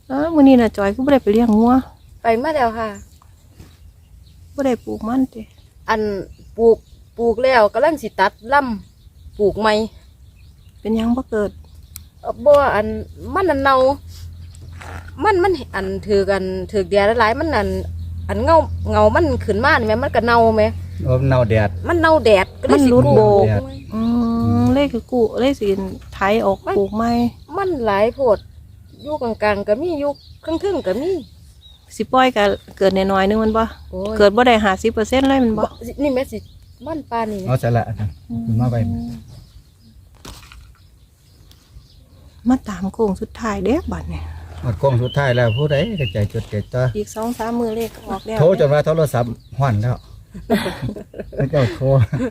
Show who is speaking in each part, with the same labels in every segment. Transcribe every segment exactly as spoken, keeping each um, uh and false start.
Speaker 1: เออมื้อนี้น่ะจอยก็บ่ได้ไปเลี้ยงงัว
Speaker 2: ไปมาแล้วค่ะ
Speaker 1: บ่ได้ปลูกมันติ
Speaker 2: อันปลูกปลูกแล้วกำลังสิตัดลำปลูกใหม่
Speaker 1: เป็นหยังบ่เกิด
Speaker 2: บ่อันมันอันเน่ามันมันอันถือกันถือแดดหลายมันอันอันเงาเงามันขึ้นมานี่แม่มันก็เน่าแม่
Speaker 3: โอ้เน่าแดด
Speaker 2: มันเน่าแดดก็เลยสิ
Speaker 1: โบกอืมเลขคือกูเลขสิไถออกปลูกใหม่
Speaker 2: มันหลายโพดอยู่กลางๆก็มีอยู่ครึ่งๆก็มี
Speaker 1: สิปล่อยก็เกิดน้อยๆนึงมันบ่เกิดบ่ได้ ห้าสิบเปอร์เซ็นต์ เลยมันบ่
Speaker 2: นี่แม่สิมันปานนี่
Speaker 3: เอาซะละอันนั้นมาไว้
Speaker 1: มาตามโค้งสุดท้ายเด้บัดนี้
Speaker 3: หมดโค้งสุดท้ายแล้วผู้ใดก็ใจจดใจจ่อ
Speaker 1: อีก สองสาม มื้อเลขออกแล้ว
Speaker 3: โทรจนว่าโทรศัพท์ฮ้อนแล้วแล้วเจ้าโทร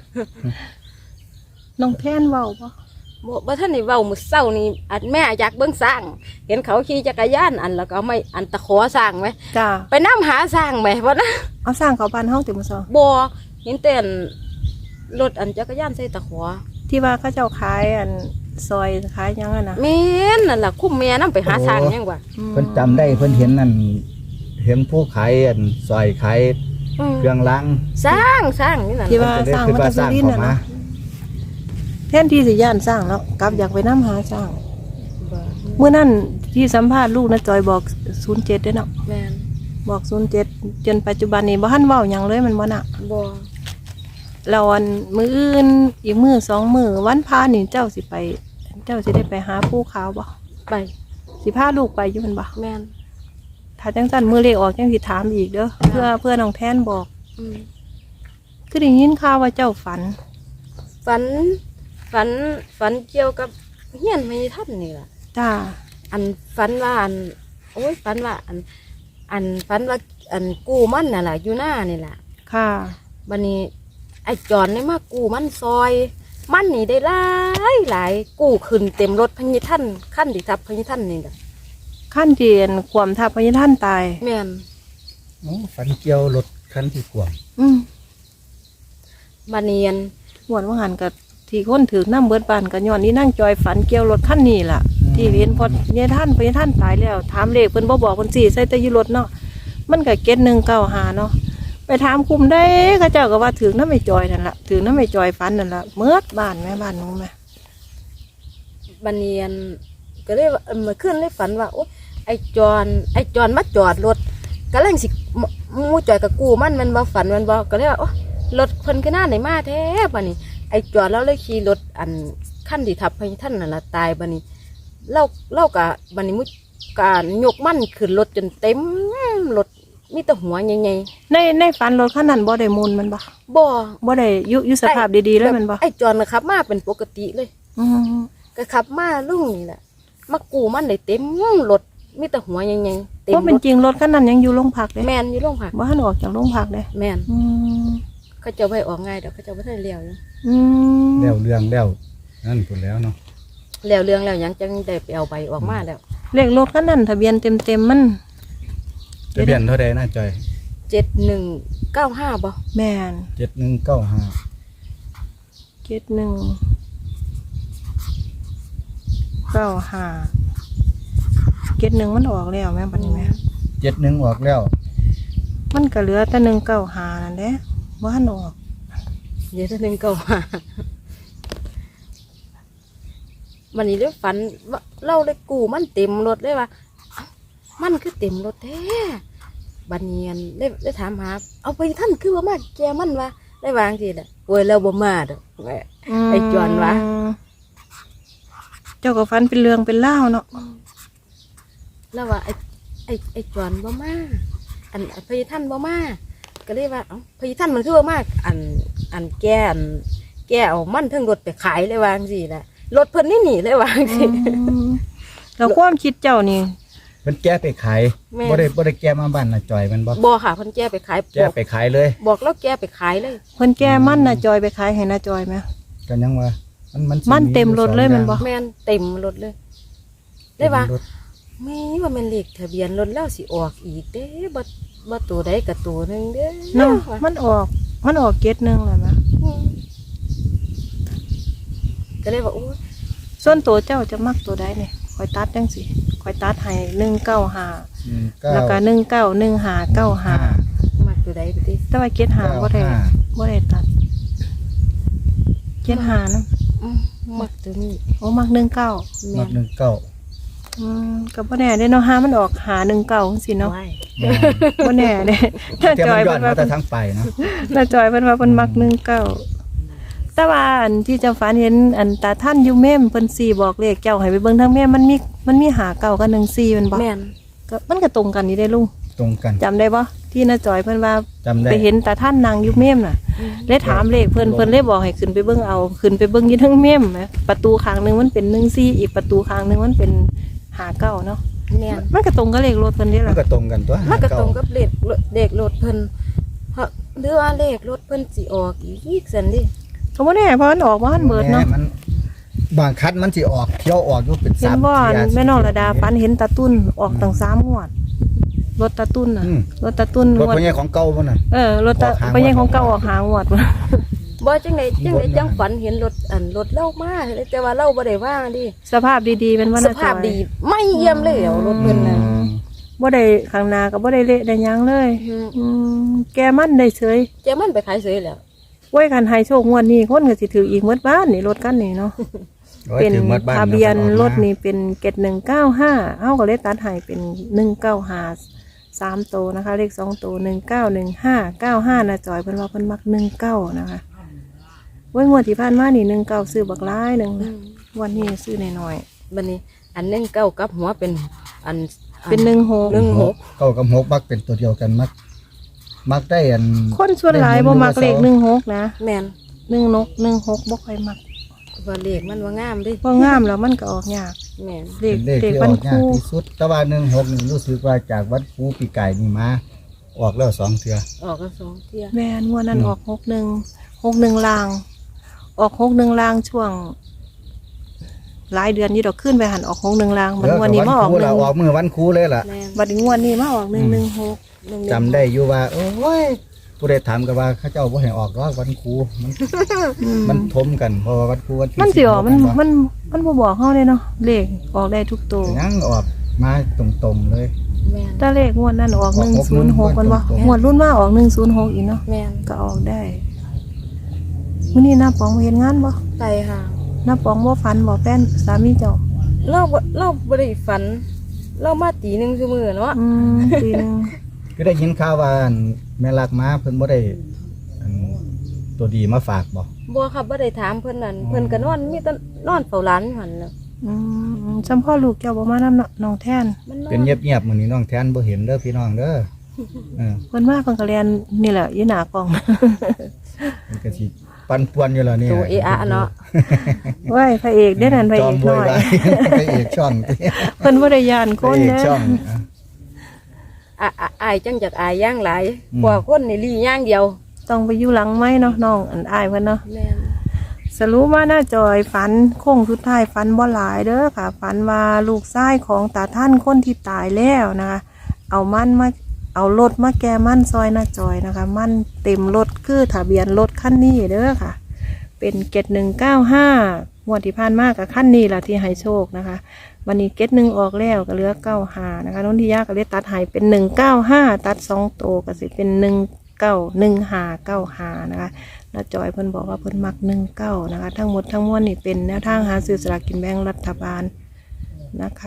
Speaker 1: น้องแทนเว้าบ่
Speaker 2: บ่บ่ทันได้เว้ามื้อเช้านี่อันแม่อยากเบิ่งสร้างเห็นเขาขี่จักรยานอันแล้วก็เอาไม้อันตะขอสร้างไหม
Speaker 1: จ้า
Speaker 2: ไปนำหาสร้างไหมบ่นะ
Speaker 1: เอาสร้างเขาบ้านเฮาติมื้อเช้า
Speaker 2: บ่เห็นแต่รถอันจักรยานใส่ตะขอ
Speaker 1: ที่ว่าเขาเจ้าขายอันซอยขายยังอ่ะนะ
Speaker 2: แม่นนั่นล่ะคุ้มแม่นำไปหาสร้างยังว่า
Speaker 3: เพิ่นจำได้เพิ่นเห็นนั่นเห็นผู้ขายอันซอยขายเครื่องล้าง
Speaker 2: สร้างสร้างนี่นั่น
Speaker 1: ที่ว่าสร้างมันจะสุรินทร์น่ะแทนที่สิย่านสร้างแล้วกลับอยากไปนำหาสร้างเมื่อนั้นที่สัมภาษณ์ลูกนะจอยบอกศูนย์เจ็ดเด้เนาะ
Speaker 2: แม่น
Speaker 1: บอกศูนย์เจ็ดจนปัจจุบันนี้บ่ทันเว้าหยังเลยมันบ่น่ะ
Speaker 2: บ่
Speaker 1: แล้วอันมื้ออื่นอีกมื้อสองมื้อวันพานี่เจ้าสิไปเจ้าสิได้ไปหาผู้ขาวบ่
Speaker 2: ไป
Speaker 1: สิพาลูกไปอยู่มันบ่
Speaker 2: แม่น
Speaker 1: ถ้าจังซั่นมื้อเลขออกจังสิถามอีกเด้อเพื่อเพื่อน้องแทนบอก
Speaker 2: อืม
Speaker 1: คือได้ยินข่าวว่าเจ้าฝัน
Speaker 2: ฝันฝันฝันเกี่ยวกับเฮียนไม่ทันนี่ล่ะ
Speaker 1: จ้า
Speaker 2: อันฝันว่าอันโอ้ยฝันว่าอันอันฝันว่าอันกู้มันน่ะล่ะอยู่หน้านี่ล่ะ
Speaker 1: ค่ะ
Speaker 2: บัดนี้ไอ้จอนนี่มากู้มันซอยมันนี่ได้หลายหลายกู้ขึ้นเต็มรถพญท่านขั้นที่ทับพญท่านนี่ล่ะ
Speaker 1: ขั้นเทียนความทับพญท่านตาย
Speaker 2: แม่น
Speaker 3: โอ้ฝันเกี่ยวรถคันที่ขวาง
Speaker 1: อืม
Speaker 2: บัดนี้อัน
Speaker 1: หวนว่าหันกับที่คนถือน้ำเบิดบานกันย้อนนี่นั่งจอยฝันเกี่ยวรถขั้นนี้ล่ะที่เห็นพอเนี่ยท่านพญท่านตายแล้วถามเลขเพิ่นบ่บอกเพิ่นสี่ใส่แต่อยู่รถเนาะมันก็เก็ตหนึ่งเก้าหาเนาะไปถามคุมได้เขาเจ้าก็ว่าถือน้ำไม่จอยนั่นแหละถือน้ำไม่จอยฟันนั่นแหละเมื่อบ้านแม่บ้านนู้นแม่
Speaker 2: บันเนียนก็เลยเมื่อคืนเลยฝันว่าโอ้ไอจอนไอจอนมาจอดรถก็เลยสิมูจอยกับกูมันมันบ่ฝันมันบ่ก็เลยว่าโอ้รถเพิ่นก็น่าไหนมาแท้บัดนี้ไอจอนแล้วเลยขี่รถอันขั้นที่ทับพญท่านนั่นละตายบัดนี้เล่าเล่ากับบัดนี้มุการยกมันขึ้นรถจนเต็มรถมีแต่หัวใหญ่
Speaker 1: ๆในในฝันรถขั้นนั้นบ่ได้มูลมันบ่
Speaker 2: บ่
Speaker 1: บ่ได้ยุยุสภาพดีๆเลยมันบ่
Speaker 2: ไอจอนนะครับมาเป็นปกติเลย
Speaker 1: อืม
Speaker 2: ก็ขับมาลุงนี่แหละมากูมันได้เต็มรถมีแต่หัวใหญ่ๆเต็ม
Speaker 1: เพราะเป็นจริงรถขั้นนั้นยังอยู่โรงพักเลย
Speaker 2: แม่นอยู่โรงพัก
Speaker 1: บ่ทันออกจากโรงพักเลย
Speaker 2: แม่น
Speaker 1: อืม
Speaker 2: เขาจะไปออกง่ายเดี๋ยวเขาจะไม่ได้เลี้ยวอยู่
Speaker 1: อืม
Speaker 3: แล้วเรื่องแล้วนั่นพูดแล้วเนาะ
Speaker 2: แล้วเรื่องแล้วยังจังได้ไปเอาใบออกมาแล้ว
Speaker 1: เลขรถขั้นนั้นทะเบียนเต็มๆมัน
Speaker 3: ทะเบียนเท่าใดน่าจอย
Speaker 2: เจ็ดหนึ่งเก้าห้าบ่
Speaker 1: แม่น
Speaker 3: เจ็ดหนึ่งเก้าห้า
Speaker 1: เจ็ดหนึ่งเก้าห้าเจ็ดหนึ่งมันออกแล้วแม่บัดนี้แม่
Speaker 3: เจ็ดหนึ่งออกแล้ว
Speaker 1: มันก็เหลือแต่หนึ่งเก้าห้านั่นแหละว่าหันออก
Speaker 2: เดี๋ยวจะหนึ่งเก้าห้าวันนี้ได้ฝันว่าเล่าได้กูมันเต็มรถเลยว่ามันคือเต็มรถแท้บัดเนียนได้ได้ถามหาเอาไปท่านคือว่ามาแกมันว่าได้วางทีแหละโวยเราบ่มาดอกไอ้จวนวะ
Speaker 1: เจ้าก็ฟันเป็นเรื่องเป็นเล่าเนาะ
Speaker 2: แล้วว่าไอ้ไอ้ไอ้จวนบ่มาอันพญท่านบ่มาก็เรียกว่าเอ้าพญท่านมันคือบ่มาอันอันแกอันแกเอามันทั้งรถไปขายเลยวางสิแหละรถเพิ่นนี่หนีเลยวางสิ
Speaker 1: แล้วความคิดเจ้านี่
Speaker 3: เพิ่นแก้ไปขายบ่ได้บ่ได้แก้มาบ้านน่ะจอยมันบ่
Speaker 2: บ่ค่ะเพิ่นแก้ไปขาย
Speaker 3: แก้ไปขายเลย
Speaker 2: บอกแล้วแก้ไปขายเลย
Speaker 1: เพิ่นแก้มันน่ะจอยไปขายให้น่ะจอยมั้ย
Speaker 3: ก็ยังว่ามันมัน
Speaker 1: มันเต็มรถเลยมันบ่
Speaker 2: แม่นเต็มรถเลยได้ว่าแม่ว่ามันเลขทะเบียนรถแล้วสิออกอีกเด้บ่บ่ตัวใดก็ตัวนึงเด้
Speaker 1: เนาะมันออกมันออกเกตนึงแล้วมั้ย
Speaker 2: ก็เลยว่าโอ้
Speaker 1: ส่วนตัวเจ้าจะมักตัวใดนี่ข่อยตัดจังสิข่อยตัดให้หนึ่งเก้าห้า
Speaker 3: หนึ่งเก้า
Speaker 1: แล้วก็หนึ่งเก้าหนึ่งห้าเก้าห้า
Speaker 2: มักตัวใดไปติ
Speaker 1: แต่ว่าเก็ดหาบ่ได้บ่ได้ตัดเก็ดหานะ
Speaker 2: อืมมักตัวนี้
Speaker 1: โอ้มักหนึ่งเก้า
Speaker 2: แม่
Speaker 3: มักหนึ่งเก้า
Speaker 1: อืมก็บ่แน่เด้เนาะหามันออกหาหนึ่งเก้าจังซี่เนาะ
Speaker 2: ไว้
Speaker 1: บ่แน่เด้ถ้า
Speaker 3: เทียม
Speaker 1: จอย
Speaker 3: มันย้อ
Speaker 1: เพิ่
Speaker 3: น
Speaker 1: นว่า
Speaker 3: มาแต่ทั้งไปเนาะ
Speaker 1: ถ้าจอยเพิ่นว่าเพิ่นมักหนึ่งเก้าแต่ว่าอันที่เจ้าฝันเห็นอันตาท่านอยู่เมมเพิ่นสี่บอกเลขเจ้าให้ไปเบิ่งทางเมมมันมีมันมีหาเก้ากับหนึ่งสี่แมันบ่
Speaker 2: แม่น
Speaker 1: ก็มันก็ตรงกันนี่ได้ลุง
Speaker 3: ตรงกัน
Speaker 1: จำได้บ่ที่น้าจอยเพิ่นว่า
Speaker 3: จำได้
Speaker 1: ไปเห็นตาท่านนางอยู่เมมน่ะ เลยถามเลขเพิ่นเพิ่นเลยบอกให้ขึ้นไปเบิ่งเอาขึ้นไปเบิ่งอยี่ทั้งเมมนะประตูข้างหนึงมันเป็นหนึ่งสี่อีกประตูข้างหนึงมันเป็นหาเก้าเนาะ
Speaker 2: แม่น
Speaker 1: มันก็ตรงกับเลขรถเพิ่นนี่
Speaker 3: มัน
Speaker 1: ล่ะ
Speaker 3: ก็ตรงกันตัว
Speaker 2: มันก็ตรง
Speaker 3: เา
Speaker 2: กับเลขเลขรถเพิ่นเพราะหรือว่าเลขรถเพิ่นสิออกอีกซั่นดิ
Speaker 1: ก็บ่แน่เพราะมันออกบ่ทันเบิดเนาะ
Speaker 3: แหมมันบางคัดมันสิออกเที่ยวออกอยู่เป็น
Speaker 1: เห็น
Speaker 3: สาม
Speaker 1: บ่
Speaker 3: เที่ย
Speaker 1: แม่น้องระดาฝันเห็นตาตุ้นออกตั้งสามงวดรถตาตุ้นน่ะ
Speaker 3: อืม
Speaker 1: รถตาตุ้น
Speaker 3: รถ
Speaker 1: งวด
Speaker 3: พญาของเก่าบ่น่ะ
Speaker 1: เออรถตา
Speaker 3: ออกหางวด
Speaker 1: ไปยังของเก่าออกหางวดว่ะ
Speaker 2: บ่จังไดจังไดจังฝันเห็นรถอันรถเล่ามาเลยแต่ว่าเล่าบ่ได้ว่างดิ
Speaker 1: สภาพดีๆเป็นว่า
Speaker 2: ส
Speaker 1: น่า
Speaker 2: ภาพ
Speaker 1: จอย
Speaker 2: ดีไม่เยี่ยมเลยเอารถเพิ่นน่ะ
Speaker 3: อืม
Speaker 1: บ่ได้ข้างหน้าก็บ่ได้เละได้หยังเลย
Speaker 2: อืม
Speaker 1: อืมแกมันได้เฉย
Speaker 2: แกมันไปขายเสยแล้ว
Speaker 1: ไว้คันให้โชคงวดนี้คนก็สิถืออีกหมดบ้านนี่รถกันนี่เนาะ
Speaker 3: โอ้ย
Speaker 1: เป็น
Speaker 3: ถึงหมดบ้า
Speaker 1: ทะเบียน
Speaker 3: แล้วก็ออก
Speaker 1: ร
Speaker 3: มา
Speaker 1: ถนี่เป็นเกตหนึ่งเก้าห้าเอ้าก็เลยตัดให้เป็นหนึ่งเก้าห้าสามโตวนะคะ เลขสองโตหนึ่งเก้าหนึ่งห้าเก้าห้านะจอยเพิ่นว่าเพิ่นมักหนึ่งเก้านะคะไว้งวดที่ผ่านมานี่หนึ่งเก้าซื้อบักร้ายหนึ่ง
Speaker 2: อืม
Speaker 1: วันนี้ซื้อหน่อย
Speaker 2: บัดนี้อันหนึงเก้ากับหัวเป็นอัน
Speaker 1: ๆเป็นหนึ่งหก
Speaker 2: หนึ่งหก
Speaker 3: เก้ากับหกมักเป็นตัวเดียวกันมัก มักได้อัน
Speaker 1: คนส่วนหลายบ่มักเลขหนึ่งหกนะ
Speaker 2: แม่น
Speaker 1: หนึ่งนกหนึ่งหกบ่ค่อยมัก
Speaker 2: ว่าเลขมันว่างามเดิ
Speaker 1: เพองามแล้วมันก็ออกยาก
Speaker 2: แม่น
Speaker 1: เลข
Speaker 3: เป็นเลข
Speaker 1: เลข
Speaker 3: ที่อ
Speaker 1: พั
Speaker 3: อน กยาก
Speaker 1: คู่
Speaker 3: ที่สุด แต่ว่าหนึ่งหกนี่รู้สึกว่าจากวัดครูปีไก่นี่มา ออกแล้วสองเทื่อ
Speaker 2: ออกกันสองเที่ย
Speaker 1: แม่นงวดนั้น
Speaker 3: อืม
Speaker 1: ออกหกหนึ่งหกหนึ่งลาง ออกหกหนึ่งลางช่วง หลายเดือนนี่ดอกขึ้นไปหันออกหกหนึ่งลางมันงวดนี้มาออก
Speaker 3: ครู
Speaker 1: หนึ่
Speaker 3: เรา
Speaker 1: ง
Speaker 3: ออกมือวันครูเลยล่ะ
Speaker 2: แม่น
Speaker 1: บัดนี้งวดนี้มาออกหนึ่งหนึ่งหก
Speaker 2: หนึ่ง
Speaker 3: จำได้อยู่ว่า โอ้ยผู้ใดถามกันว่าเข้าเจ้าบ่ให้ออกหรอกวันครูมัน
Speaker 1: อืม
Speaker 3: มันทมกันเพราะว่าวันครูวันที่
Speaker 1: มันสิออกมัน
Speaker 3: สิบหก
Speaker 1: มันมันบ่บอกเฮาเลยเนาะเลขออกได้ทุกตัว
Speaker 3: ยังออกมาตรงๆเลย
Speaker 2: แม่น
Speaker 1: แต่เลขงวดนั้นออก
Speaker 3: อ
Speaker 1: ห
Speaker 3: อก
Speaker 1: นึ่ง
Speaker 3: หก
Speaker 1: ศูนย์หกมันว่า
Speaker 3: ตรงๆ
Speaker 1: งวดรุ่นมาออกหนึ่งศูนย์หกอีกเนาะ
Speaker 2: แม่น
Speaker 1: ก็ออกได้มื้อนี้น้าปองเห็นงานบ่
Speaker 2: ไปค่ะ
Speaker 1: น้าปองบ่ฝันบ่แฟนสามีเจ้า
Speaker 2: เราบ่เราบ่ได้ฝัน เรามาตีหนึ่งชั่วโมงเนาะ
Speaker 1: อืมปีหนึง
Speaker 3: ก็ได้ยินข่าวว่าอันแม่ลักมาเพิ่นบ่ได้อันตัวดีมาฝากบ่
Speaker 2: บัวครับบ่ได้ถามเพิ่นนั่นเพิ่นก็นอนมีแต่นอนเฝ้าหลานอยู่หั่นน่ะ
Speaker 1: อืมจำพ่อลูกเจ้าบ่มานำเนาะน้องแทน
Speaker 2: มันนอน
Speaker 3: เป็นเงียบๆมื้อนี้น้องแทนบ่เห็นเด้อพี่น้องเด้อเออ
Speaker 1: เพิ่นมาเพิ่นก็เรียนนี่แหละอยู่หน้ากล้อง
Speaker 3: มันก็สิปั่นป่วนอยู่แล้วเนี่ย
Speaker 2: ตัวเออะเนาะ
Speaker 1: เว้ยพระเอกเด้อนั่นพระ
Speaker 3: จ
Speaker 1: เอ
Speaker 3: อม
Speaker 1: ก
Speaker 3: บ
Speaker 1: น้
Speaker 3: ว
Speaker 1: อย ย
Speaker 3: ไว้พระเอกช่อง
Speaker 1: เพิ่นบ่ได้ย่าน
Speaker 3: พ
Speaker 1: ค
Speaker 3: ระ
Speaker 1: น
Speaker 3: เอก
Speaker 1: เด้
Speaker 3: ช่
Speaker 1: อ
Speaker 3: องอ่ะ
Speaker 2: อ่ะอ่ะอายจังจากอายย่างหลาย
Speaker 3: อืม
Speaker 2: กว่าคนนี่ลีย่างเดียว
Speaker 1: ต้องไปอยู่หลังไม้เนาะน้องอันอายเพิ่นเนาะ
Speaker 2: แม่น
Speaker 1: สรุปว่าหน้าจอยฝันโค้งสุดท้ายฝันบ่หลายเด้อค่ะฝันว่าลูกชายของตาท่านคนที่ตายแล้วนะคะเอามันมาเอารถมาแก้มันซอยหน้าจอยนะคะ มันเต็มรถคือทะเบียนรถคันนี้เด้อค่ะ เป็นเกตหนึ่งเก้าห้างวดที่ผ่านมากับขั้นนี้แหละที่ให้โชคนะคะ วันนี้เกตหนึ่งออกแล้วก็เหลือเก้าห้านะคะน้องที่ยากก็เลยตัดให้เป็นหนึ่งเก้าห้าตัดสองโตวก็สิเป็นหนึ่งเก้าหนึ่งห้าเก้าห้านะคะน้าจอยเพิ่นบอกว่าเพิ่นมักหนึ่งเก้านะคะ ทั้งหมดทั้งมวลนี่เป็นแนวทางหาซื้อสลากกินแบ่งรัฐบาลนะคะ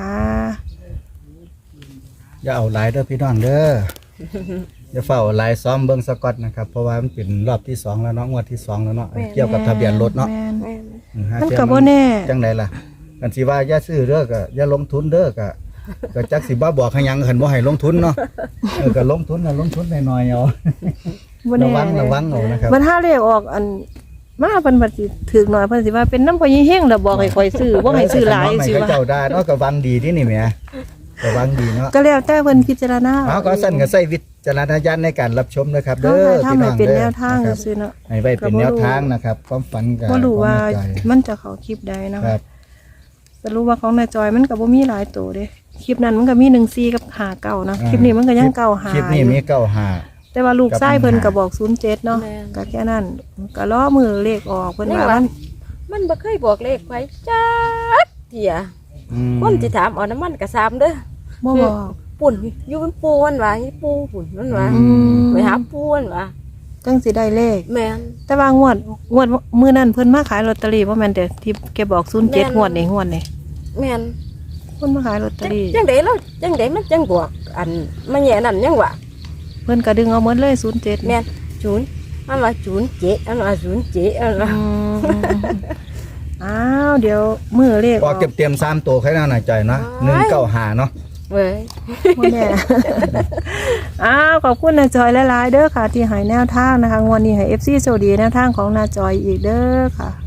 Speaker 3: อย่าเอาหลายเด้อพี่น้องเด้อ อย่าเฝ้าเอาหลายซ้อมเบิ่งสกอตนะครับเพราะว่ามันเป็นรอบที่สองแล้วเนาะงวดที่สองแล้วเนาะเกี่ยวกับทะเบียนรถเนาะ
Speaker 1: แม่น
Speaker 2: แม่น
Speaker 3: อืมหา
Speaker 1: มัน
Speaker 3: เทีย
Speaker 1: ก็บ่แน่
Speaker 3: จังไดล่ะกันสิว่าอย่าซื้อเด้อก็อย่าลงทุนเด้อก็ก็จักสิบ่บอกให้หยังคันบ่ให้ลงทุนเนาะเออก็ลงทุนน่ะลงทุนน้อยๆเอา
Speaker 1: บ่
Speaker 3: ระ
Speaker 1: แน่
Speaker 3: วังระวังเอานะครับ
Speaker 1: มันถ้าเลขออกอันมาเพิ่นบัดสิถึกหน่อยเพิ่นสิว่าเป็นน้ำพอยี่เฮงแล้วบอกให้ข่อยซื้อบ่ให้ซื้อหลาย
Speaker 3: ให้
Speaker 1: สิ
Speaker 3: เขา
Speaker 1: ว่า
Speaker 3: เจ้าได้เนาะก็วังดีที่นี่แหมก็วังดีเนาะ
Speaker 1: ก็แล้วแต่เพิ่นพิจารณา
Speaker 3: เอาก็สั่นก็ใช้วิจารณญาณในการรับชมนะครับ
Speaker 1: เด้
Speaker 3: เด้
Speaker 1: อ
Speaker 3: อ
Speaker 1: ถ้า
Speaker 3: พี่
Speaker 1: ไม่
Speaker 3: น้อง
Speaker 1: เป็น
Speaker 3: เด้อ
Speaker 1: แนวทาง
Speaker 3: นะครับ
Speaker 1: ซื่อๆเนาะ
Speaker 3: ให้ไว้เป็นแนวทางนะครับความฝันก็
Speaker 1: บ่รู้ว่า
Speaker 3: บ่แน่ใจ
Speaker 1: มันจะเข้าคลิปใดนะ
Speaker 3: ค
Speaker 1: คะ
Speaker 3: รับ
Speaker 1: สรุปว่าของนายจอยมันก็บ่มีหลายตัวเด้คลิปนั้นมันก็มีหนึ่งสี่กับห้าเก้านะ
Speaker 3: อ่า
Speaker 1: คลิปนี้มันก็ยังเก้าห้า
Speaker 3: คลิปนี้มีเก้าห้า
Speaker 1: แต่ว่าลูกชายเพิ่นก็บอกศูนย์เจ็ดเนาะ
Speaker 2: แม่น
Speaker 1: ก็แค่นั้นก็ล้อมือเลขออกเพิ่นว่ามัน
Speaker 2: มันบ่เคยบอกเลขไว้จักเที่ย
Speaker 3: อืม
Speaker 2: คนสิถามเอาน้ำมันก็ซ้ำเด้อ
Speaker 1: บ่บอก
Speaker 2: ปุ่นอยู่เป็นปูมันว่าอีปูปุ่นมันว่า
Speaker 1: อืม
Speaker 2: ไปหาปูมันว่า
Speaker 1: จังสิได้เลข
Speaker 2: แม่น
Speaker 1: แต่ว่างวดงวดมื้อนั้นเพิ่นมาขายลอตเตอรี่บ่แม่นแต่ที่แกบอกศูนย์เจ็ด
Speaker 2: แม่น
Speaker 1: งวดนี่งวดนี่
Speaker 2: แม่น
Speaker 1: เพิ่นมาขายลอตเตอ
Speaker 2: จัง
Speaker 1: รี่
Speaker 2: จังไดเราจังไดมันจังบวกอันมันแย่นั่นยังวะ
Speaker 1: เพิ่นก็ดึงเอาหมดเลยศูนย์เจ็ด
Speaker 2: แม่นศูนย์อันว่าศูนย์เจ็ดอันว่าศูนย์เจ็ดอันว่า
Speaker 1: อืมอ้าวเดี๋ยวมื้อเลข
Speaker 3: พอเก็บเตรียมสามตัวใครน่าหน่าใจนะหนึ่งเก้าหาเนาะ
Speaker 2: เว้ย
Speaker 1: บ่แน่ อ้าวขอบคุณนาจอยหลายๆเด้อค่ะ ที่ให้แนวทางนะคะงวดนี้ให้ เอฟ ซี โชคดีแนวทางของนาจอยอีกเด้อค่ะ